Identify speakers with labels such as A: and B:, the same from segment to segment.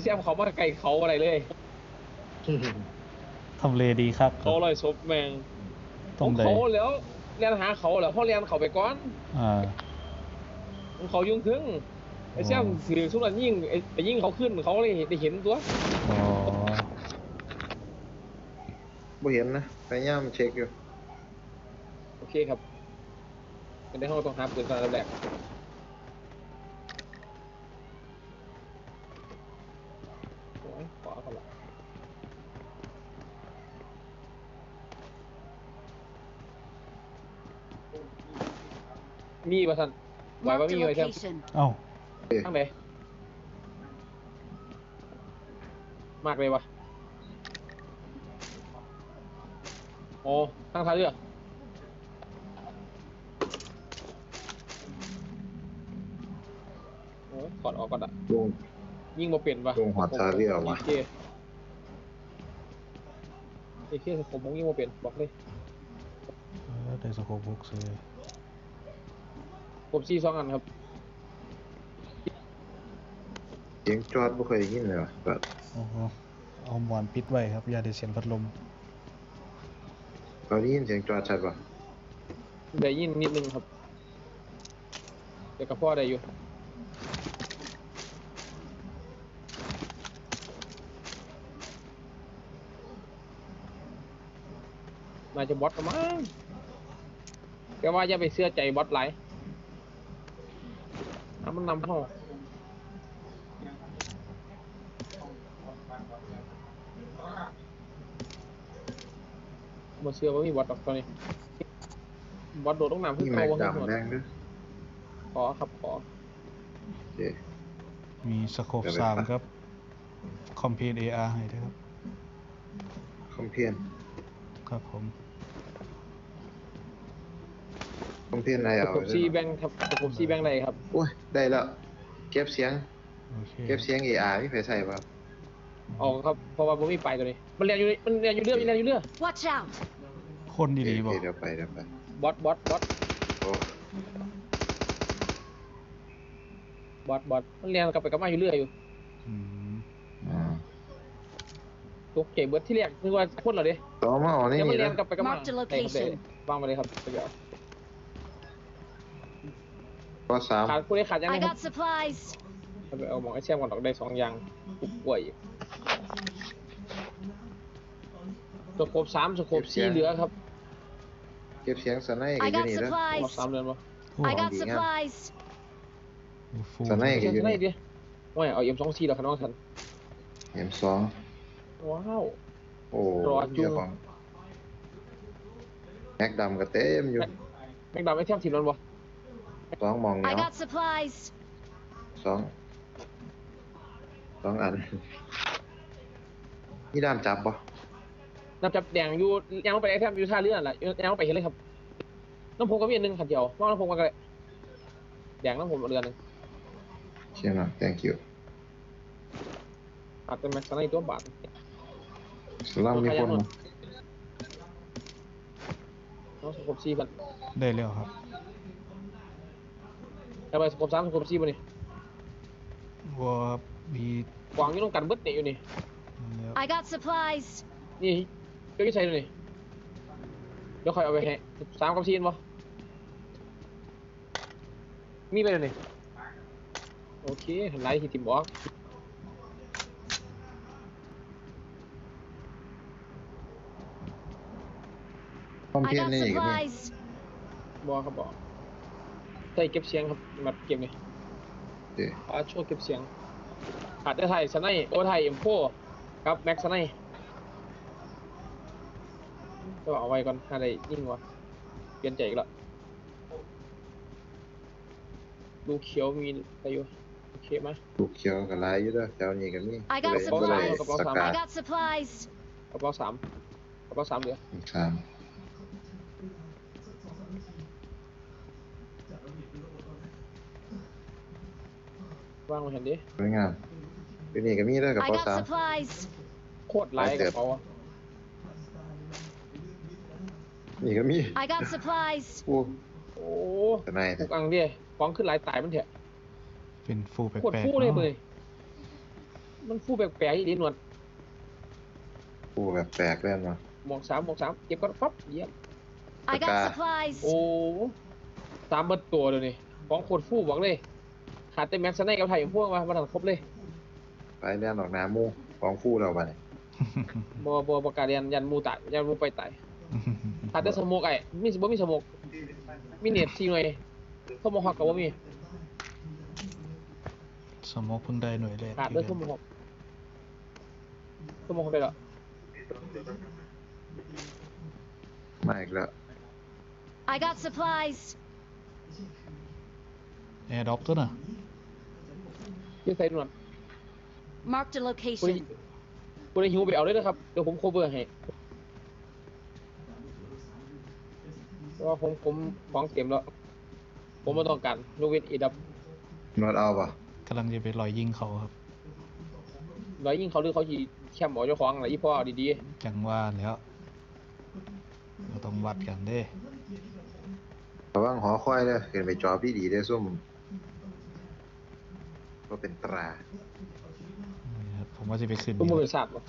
A: ซมเขามาไกลเขาอะไรเลย
B: ทำเลดีครับ
A: เขาลอยศพแมงของเขาแล้วเรียนหาเขาแล้วเขาเรียนเขาไปก่อนของเขายุ่งถึงไอ้แซมถือสุนันยิ่งไปยิ่งเขาขึ้นเขาเลยได้เห็นตัว
C: บ่เห็นนะพยายามเช็คอยู่
A: โอเคครับเป็นได้ห้องต้องหาปืนตอนแรกขอเขาละมีป่ะท่านไหวว่ามีไหมแซม
B: เอ้า
A: ทั้งไหนมากเลยวะโอ้ทั้งท้ายเรือโอ้ถอดออกก่อนอ่ะยิงมาเปลี่ยนปะ
C: ลงหัวทาเรือวะ
A: ไอ้เชี่ยผมยิงมาเปลี่ยนบอกเลย
B: ได้สโคปบุกซื้อ
A: ผมซี่2 อันครับ
C: เสียงจอดบ่เคยได้ยินเลยวะแบบ
B: เอาหมอนปิดไว้ครับอย่าได้เสียงพัดลม
C: เราได้ยินเสียงจอดชัดป่ะ
A: ได้ยินนิดนึงครับเดี๋ยวกับพ่อได้อยู่น่าจะบอทกันมั้งแต่ว่าอย่าไปเชื่อใจบอทไหลมันนำเข้าบ่เชื่อว่ามีบอทตอนนี้บอทโดดต้องนำขึ้นเขาว่าขึ้นขอครับขอ
B: มีสโคป3ครับคอมเพลต AR ให้ด้วยครับ
C: คอมเพียน
B: ครับผม
C: คอมเพียนอะไรเอา
A: ซีแบงครับผมซีแบงอะไรครับ
C: โอ้ยได้แล้วเก็บเสียงAR ไม่เคยใส่ป่ะ
A: อ๋อครับเพราะว่าผมมีไปตัวนี้มันเรียนอยู่เรือ
D: Watch out
B: คนดีๆบอก
C: เดี๋ยวไป
A: บอทมันเรียนกลับไปกลับมาอยู่เรื่อยอยู่ตัวเก๋เบิร์ดที่เรียกนึกว่าคนเหรอเด้
C: ต่อมาอ๋อนี่
A: มันเรียนกลับไปกลับมาวางไปเลยครับ
C: ก็3
A: ขาดผู้ใดขาดยังไง
D: I
A: ครับ
D: got supplies
A: เอาหมองไอ้แช่ก่อนออกได้2 อย่างปุ๊บป่วยสโคป3สโคป4เหลือครับ
C: เก็บเสียงสไนด์กันอยู่นี่แล้ว
A: 3เดือนป่ะ
D: I got supplies
C: สไนด์กันอยู่นี่
A: ว่าเอาM24แล้วครับน้องท่าน
C: M2
A: ว้าว
C: โอ้เจ้าของแม็กดำก็เต็มอยู่
A: แม็กดำไอ้เทียมทีมนั้นป่ะ
C: 2มองเนี่ย
D: I got supplies
C: 2อันนี่ด้ามจับป่ะ
A: น้ำจับแดงอยู่ยังไปไอ้แทมอยู่ท่าเรือแหละยังไปเห็นเลยครับน้ำพงก็มี1 ขัดเดียวว่าน้ำพงกันเลยแดงน้ำผมเรือนึง
C: เชี่ยนะ thank you
A: อาจจะแม็กซ์ในตัวบาท
C: สลัมมีคนมั้ย
A: น้องสกป4 กัน
B: ได้แล้วครับ
A: เอาไปสกป3สกป4ป่ะนี่
B: ว่ามี
A: กวางอยู่ตรงกันเบิดเนี่ยอยู่นี่
D: I got supplies
A: นี่ก็ใช้ดูนี่เดี๋ยวคอยเอาไปให้3 กับ 4ป่ะมีไปเลยนี่โอเคไลท์ที่ทีมบอก
C: คอมเพียนนี่ก็มี
A: บอกครับบอกใส่เก็บเสียงครับมาเก็บนี่ช่วยเก็บเสียงขาดได้ไทยสไนโอไทยM4ครับแม็กสไนก็เอาไว้ก่อนอะไรยิ่งวะเปลี่ยนใจอีกแล้วลูกเขียวมีอะไรอยู่โอเคไหม
C: ลูกเขียวกับลายอยู่ด้วยเจ้านี่ก็มี
D: I got supplies
A: กระเป๋า3เหลือว่างมาเห็นดิ
C: สวยงามเป็นนี่ก็มีด้วยกระเป๋า3
A: โคตรไลท์กระเป๋า
C: นี่ก็มี
D: I got supplies
A: โอ้
C: ทนาย
A: ทุกอันดิฟ้องขึ้นหลายตายมันเถอะ
B: เป็นฟูแปลกๆ
A: โคตรฟูเลยมันฟูแปลกๆอีดีหนวด
C: กูแบบแปลกเลยมั้ง
A: หมวกสามเก็บก่อนปั๊บเยี่ยม
D: I got
C: Okay.
D: supplies.
A: โอ้ตามเบิดตัวเลยนี่ของโคตรฟูบอกเลยขาดแต่แม็กซ์ไนกับไทยพวกมาทันครบเลย
C: ไปเรียนออกหน้าหมูของฟูเราไปเนี่ย
A: บ่ประกาศยันมูตายยันมูไปตายขาดแต่สโมกไอ้มีบ่มีสโมกมีเน็ตทีหน่อยเข้ามาฮอกกับว่ามี
B: สมองเพิ่งได้หน่วยแรก
A: ขาดด้วยเข้ามาฮอกได้แล้ว
C: มาอีกแล้ว
D: I got supplies.
B: แอร์ด็อกตัวน่ะ
A: ยืดใส่ด่วน
D: Marked a
A: กูได้
D: location.
A: หิวไปเอาเลยนะครับเดี๋ยวผมโคเวอร์ให้เพราะว่าผมของเต็มแล้วผมไม่ต้องการยกเว้นอีดับ
C: นวดเอาปะ
B: กำลังจะไปลอยยิงเขาครับ
A: ร้อยยิ่งเขาหรือเขาจีแคมหมอเจ้าของอะไรอีพ่อดี
B: จังว่าแล้วเราต้องวัดกันเด้
C: ระวังหอคอยเด้อเห็นไปจอพี่ดีได้อซุ่มก็เป็นตรา
B: นี่ครับผมว่าจะไปขึ้น
A: ๆผมบ่เป็นศาสตร์บ่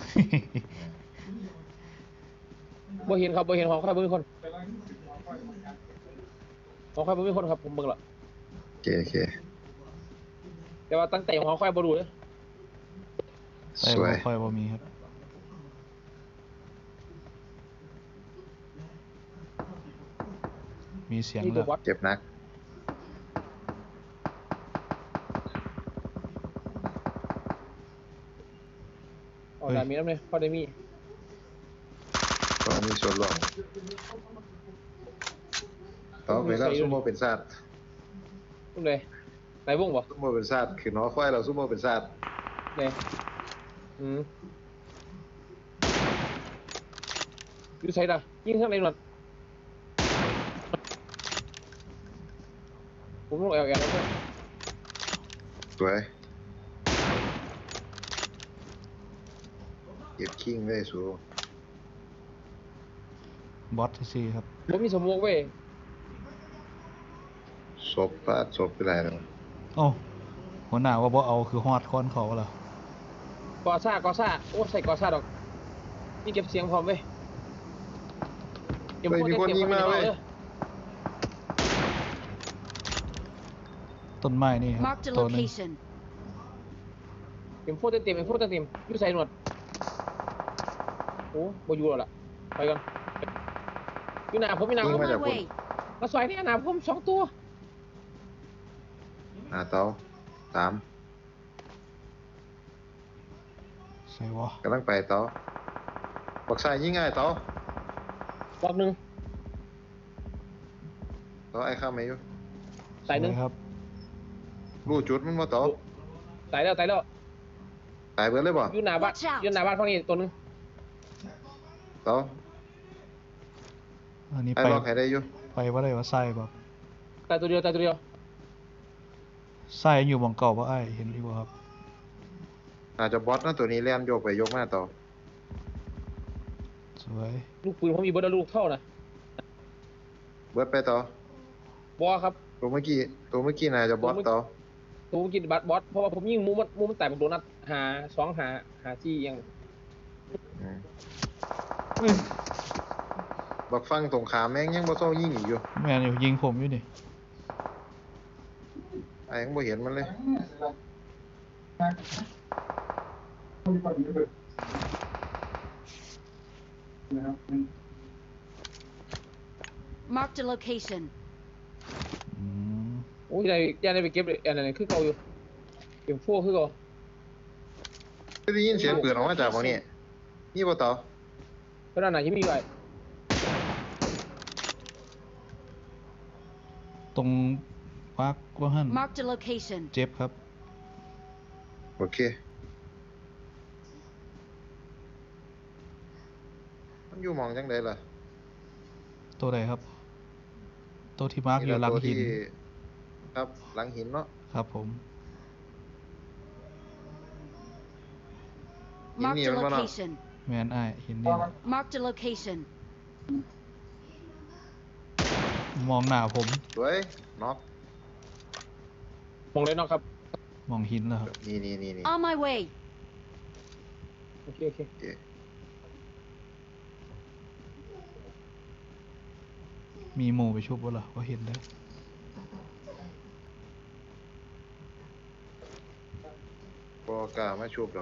A: บ่เห็นครับบ่เห็นของใครบ่มีคนของใครบ่มีคนครับผมเบิ่งและ
C: โอเค
A: แต่ว่าตั้งแต่ของใครบ่รู้เลย
B: ใส่
C: ส
B: บ่
C: วย
B: ค่อยบ่มีครับ มีเสียง
A: นี่
B: แล้
A: ตัว
B: ว
A: วัด
C: เจ็บหนัก
A: ออกได้มีน้ำเลยพอได้มี
C: ก็มีส่วนร่วมต่อไปแล้วซุ่มโมเป็นซาด
A: ตุ้มเลยไหนวงบ่
C: ซุ่มโมเป็นซาดคือหอคอยเราซุ่มโมเป็นซาด
A: เลยอยู่ไสล่ะยิงทางไหนหนวดผมลงแอลแล้วเพื่อน
C: สวยเก็บคิงไว้สู
B: บอสซีครับ
A: ผมมีสโมกเว้ย
C: ศพปาดศพไปไรแล้ว
B: โอ้หัวหน้าว่าบ่เอาคือฮอดค้อนเขาเหรอก
A: อซ่โอ้ใส่กอซ่าดอกนี่เก็บเสียงพร้อมเว้ย
C: เฮ้ยมีคนยิงมาเว้ย
B: ต้นไม้นี่ครับ
D: Marked a
B: ตัวหนึง
D: location.
A: เต็มโฟเต็มอยู่ใส่หนวดโอ้บ่อยู่แล้วล่ะไปก่อนอยู่หน้าผม
C: ยิง
D: On
C: มา
D: my
C: จากคน
D: way.
A: มาซอยนี่หน้าผม2 ตัว
C: เตาสาม
B: ใส่วะ
C: กำลังไปเตาบักชายยิงง่ายเตาร
A: อบหนึง
C: เตาไอ้ข้ามไหมอยู่
A: ตายหนึง
B: สวยครับ
C: รู้จุดมันมาเตา
A: ตายแล้ว
C: ตายเบิดเลยบ่
A: อยู่หน้าบ้าน
D: Watch out
A: อยู่หน้าบ้านฝั่งนี้ตัวหนึง
C: เตา
B: อันนี้
C: ไอ้
B: ไป
C: ล็อกให้ได้อยู่
B: ไปว่าได้ว่าไส้บ่
A: ตายตัวเดียว
B: ไส้อยู่หมองเก่าบ่อ้ายเห็นอยู่บ่ครับ
C: อาจจะบอสนะตัวนี้แล่นโยกไปโยกมาเตา
B: สวย
A: ลูกปืนผมมีเบิดแล้วลูกเท่านะ
C: เบิดไปเตา
A: บอครับ
C: ตัวเมื่อกี้น่าจะบอสเตา
A: ตัวผมกินบัตบอสเพราะว่าผมยิงมูมันแตกเป็นโดนัทหาจี้ยัง
C: อืม
B: เอ้ย
C: บักฟังตรงขามแม่งยังบ่เซายิงอีกอยู่
B: แม่นอยู่ยิงผมอยู่นี่
C: ไอ้ยังบ่เห็นมันเลย
D: Marked a location.
B: อืม
A: โอ้ยได้ไปเก็บอันนั้นคือเก่าอยู่เก็บพวกคือเก่า
C: ได้ยินเสียงปืนออกมาจากบ่นี่นี่บ่เตา
A: เพราะนั่นน่ะยังมีอยู่ไอ้
B: ตรงวักว่าหั่น
D: Marked a location.
B: เจ็บครับ
C: โอเคมันอยู่หมองจังไดล่ะ
B: ตัวใดครับ ตัวที่มาร์กอยู่หลังหิน
C: ครับหลังหินเนาะ
B: ครับผม
D: Marked a
C: Ini yang mana?
D: location.
B: แมนอ้ายหินนี่นะ
D: Marked a location.
B: มองหน้าผม
C: สวยน็อก
A: มองเลยเนาะครับ
B: มองหินแล้วครับ
C: นี่
D: On my way.
A: โอเค
C: โอเค
B: มีโมไปชุบวะล่ะว่าเห็นได้
C: บ่กล้ามาชุบหรอก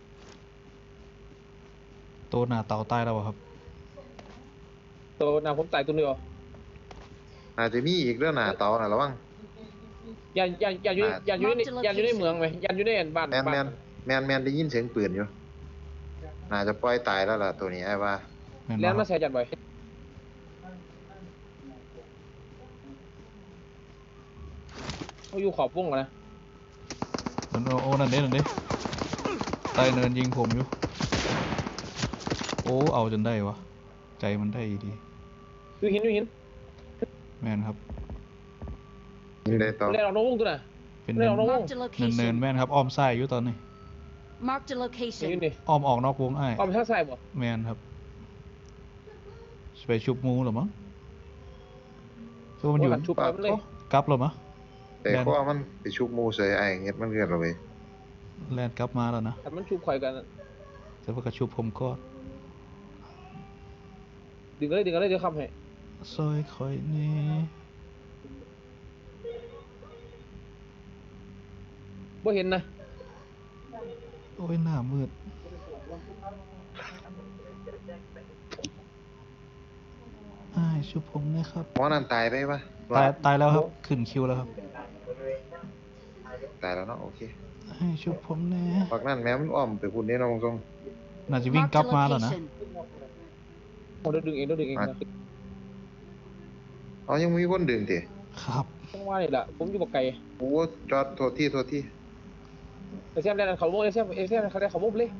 B: โตหน้าเต่าตายแล้วอะครับ
A: ตัวหน้าผมตายตัวเดียว
C: อาจจะมีอีกเรื่องหน้าเตาน่ะระวัง
A: อย่าอยู่ในเมืองไหมอย่าอยู่ในบ้าน
C: แมนได้ยินเสียงปืนอยู่น่าจะปล่อยตายแล้วล่ะตัวนี้ไอ้ว่า
B: แม่น
A: แล้ว
B: บ่ค
A: มา
B: รับ
A: ใส่จัดบ่อยเขาอยู่ขอบวงนะ
B: มันโอ้นั่นเด้ใต้เนินยิงผมอยู่โอ้เอาจนได้วะใจมันได้ดี
A: อยู่หิน
B: แม่นครับ
C: ยิงได้ต่อ
A: เล่นออกนอกวงตัวน่ะ
B: เป็น
A: เล่นออกนอกวง
D: Marked a
B: เนิน
D: location.
B: แม่นครับอ้อมซ้ายอยู่ตอนนี้
D: Marked a
A: อยู่
D: location.
A: นี่
B: อ้อมออกนอกวงไอ้าย
A: อ้อมทางซ้ายบ่
B: แม่นครับไปชุบหมูเหรอมั้งคือมันอยู่
A: ชุบไปมันเลย
B: กลับเหรอมะ
C: แต่เพราะว่ามันไปชุบหมูใส่ไอ้เงี้ยมันเกิดเราไป
B: แลนกลับมาแล้วนะ
A: แต่มันชุบข่อยกัน
B: แต่ว่ากระชุบผมก็
A: ดึงกันเลยเดี๋ยวคำให้
B: ซอยคอยนี่
A: บ่เห็นนะ
B: โอ้ยหน้ามืดอ้ายชุบผมนะครับ
C: หมอนั่นตายไปปะ
B: ตายแล้วครับขึ้นคิวแล้วครับ
C: ตายแล้วเนาะโอเค
B: ให้ชุบผมแน่
C: ปักนั่นแม้มันอ้อมไปคุณนี่น้องตรง
B: น่าจะวิ่ง
D: Marked
B: กลั
D: a
B: บมาแล้วนะ
D: location.
A: เดี๋ยวดึงเองนะ
C: เอายังมีคนดึงติ
B: ครับ
A: ต้องว่านี่แหละผมอยู่บ่ไกล
C: โอ้จอดโทษที่
A: ไอ้แซมเล่นเขาโม่ไอ้แซมเขาได้เขาโม่เลย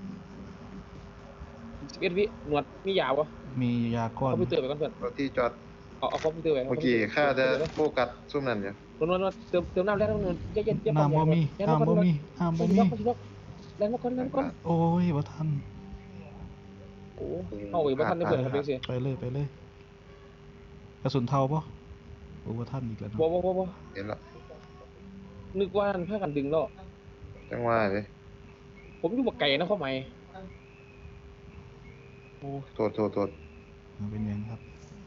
A: 11 วิหนวดมียาวะ
B: มียาก้อน
A: คอมพิวเตอร์ไปก่อนเพื่อน
C: โทษที่จอด
A: เอาคอมพิวเตอร์ไป
C: เมื่อกี้ข้าจะโฟกัสซุ่มนั่นอยู่
A: นวดเติมน้ำแล้วนวดเย็น
B: น้ำบ่มีน้ำบ่มีน้ำบ่มี
A: แล้วมาก่อน
B: โอ้ยบ่ทัน
A: โอ้เอาอีกบ่ทันได้เพื่อนครับเด็กสิ
B: ไปเลยกระสุนเทาปะโอ้บ่ทันอีกแล้วเนาะ
A: บ่
C: เห็นละ
A: นึกว่าเพื่อกันดึงแล้ว
C: จังว่าเลย
A: ผมอยู่บ่ไกลนะข้อหมายโอ้
C: โทษ
B: มันเป็นยังครับ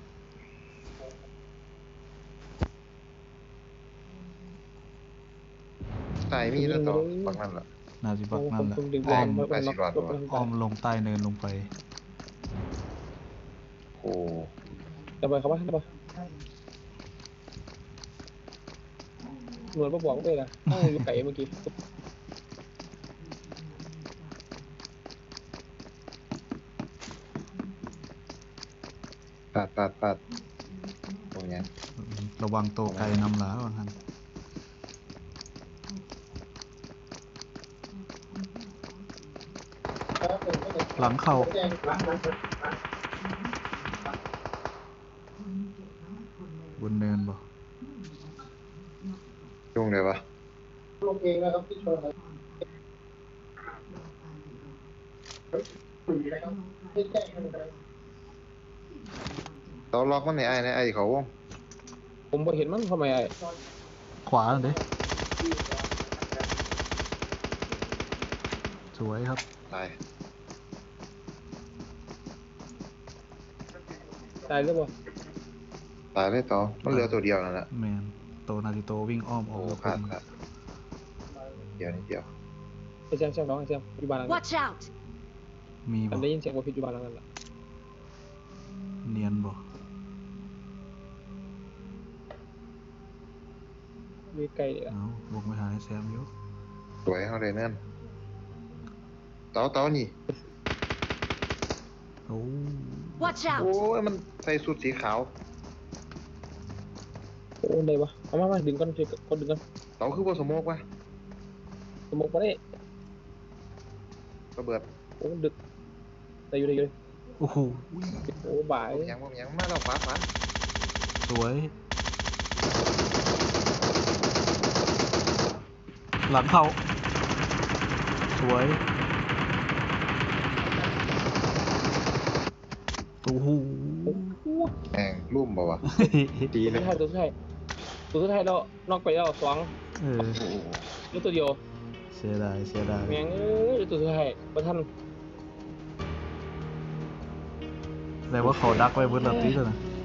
C: ตายมีแล้วต่อปักนั่นล่ะ
B: น่าสิบักนั่นแหละ
A: ผมดึง
B: อ้อม
A: อ้อม
B: ลงใต้เนินลงไป
C: โอ้
A: จะไปเขาว่าได้ปะหนวดบอกด้วยนะต้องอยู่ไกลเมื่อกี้
C: ปัดตรงนี้
B: ระวังโตไกลนำหลาว่างั้นหลังเข้าบนเนินบ่
C: ยุ่งเลยวะ
A: ลงเองนะครับที่ชนครับ
C: เราล็อกมันในไอ้เขาวง
A: ผมบ่เห็นมันทำไมไอ้
B: ขวาเด้สวยครับ
C: ตาย
A: ตายหรือเปล่า
C: ตายเลยต่อมันเหลือตัวเดียวนั่นแหละ
B: แมนโตนาจิโตวิ่งอ้อมอ
C: โอ้
B: อกแล้ว
C: ขาด
B: ผม
C: เดียวนิดเดียว
A: ไอ้แซมน้องไอ้แซมอยู่บ้านหลังนั้น
D: Watch out!
B: มี
A: อั
B: บ่
A: นได้ยินเสียงว่าพิษอยู่บ้านหลังนั้นแหละ
B: เนียนบ่
A: มีไกลเลยอ่ะ
B: เอาวงไปหาไอ้แซมอยู่
C: สวยเขาเลยนั่นเต๋านี่
B: โอ้
D: Watch
C: โอ้
D: out!
C: ยมันใส่สูทสีขาว
A: โอ้ได้ปะเอามาดึงก่อนดึงก่อน
C: เต๋าคือว่าสโมกวะ
A: สมองมาได้
C: ระเบิด
A: โอ้ดึกได้อยู่
B: โอ้โห
A: โอ้บ่าย
C: บ่มีหยังมาแล้วฟ้า
B: สวย หลังเข้าสวยโอ้โห
C: แม่งลุ่มบ่วะดี
A: ตัว
C: เลย
A: สุดท้ายแล้วนอกไปแล้ว2
B: เออ
C: โอ้โห
A: เหลือตัวเดียว
B: เสียดาย
A: แม่งตัวสุดท้ายบ่ทัน
B: แสดงว่าเขาดักไว้เบิดและติตัวน่ะ